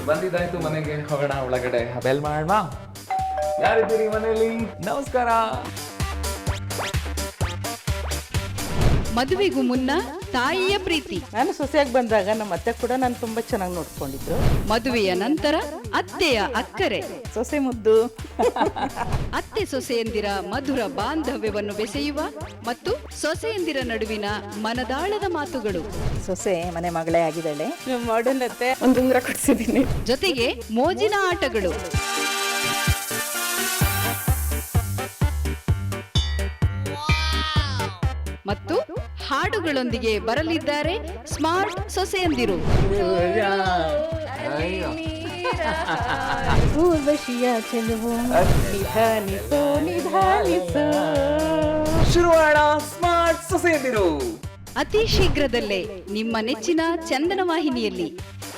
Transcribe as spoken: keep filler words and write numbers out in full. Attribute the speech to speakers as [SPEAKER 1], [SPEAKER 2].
[SPEAKER 1] ಬಂದಿದ್ದಾಯ್ತು, ಮನೆಗೆ ಹೋಗೋಣ. ಒಳಗಡೆ ಬೆಲ್ ಮಾಡೋಣ. ಯಾರಿದ್ದೀರಿ ಮನೆಯಲ್ಲಿ? ನಮಸ್ಕಾರ.
[SPEAKER 2] ಮದುವೆಗೂ ಮುನ್ನ ತಾಯಿಯ ಪ್ರೀತಿ.
[SPEAKER 3] ನಾನು ಸೊಸೆಯಾಗಿ ಬಂದಾಗ ನಮ್ಮ ಅತ್ತೆ ಕೂಡ ನಾನು ತುಂಬಾ ಚೆನ್ನಾಗಿ ನೋಡ್ಕೊಂಡಿದ್ರು.
[SPEAKER 2] ಮದುವೆಯ ನಂತರ ಅತ್ತೆಯ ಅಕ್ಕರೆ.
[SPEAKER 3] ಸೊಸೆ ಮುದ್ದು.
[SPEAKER 2] ಅತ್ತೆ ಸೊಸೆಯಂದಿರ ಮಧುರ ಬಾಂಧವ್ಯವನ್ನು ಬೆಸೆಯುವ ಮತ್ತು ಸೊಸೆಯಂದಿರ ನಡುವಿನ ಮನದಾಳದ ಮಾತುಗಳು.
[SPEAKER 3] ಸೊಸೆ ಮನೆ ಮಗಳೇ ಆಗಿದ್ದಾಳೆ. ಮಾಡರ್ನ್ ಅತ್ತೆ ಒಂದು ಉಂಗುರ ಕೊಡ್ಸಿದ್ದೀನಿ.
[SPEAKER 2] ಜೊತೆಗೆ ಮೋಜಿನ ಆಟಗಳು. ಮತ್ತು ಹಾಡುಗಳೊಂದಿಗೆ ಬರಲಿದ್ದಾರೆ ಸ್ಮಾರ್ಟ್ ಸೊಸೆಯಂದಿರು.
[SPEAKER 1] ಶುರುವಾಡ ಸ್ಮಾರ್ಟ್ ಸೊಸೆಯಂದಿರು
[SPEAKER 2] ಅತಿ ಶೀಘ್ರದಲ್ಲೇ ನಿಮ್ಮ ನೆಚ್ಚಿನ ಚಂದನ ವಾಹಿನಿಯಲ್ಲಿ.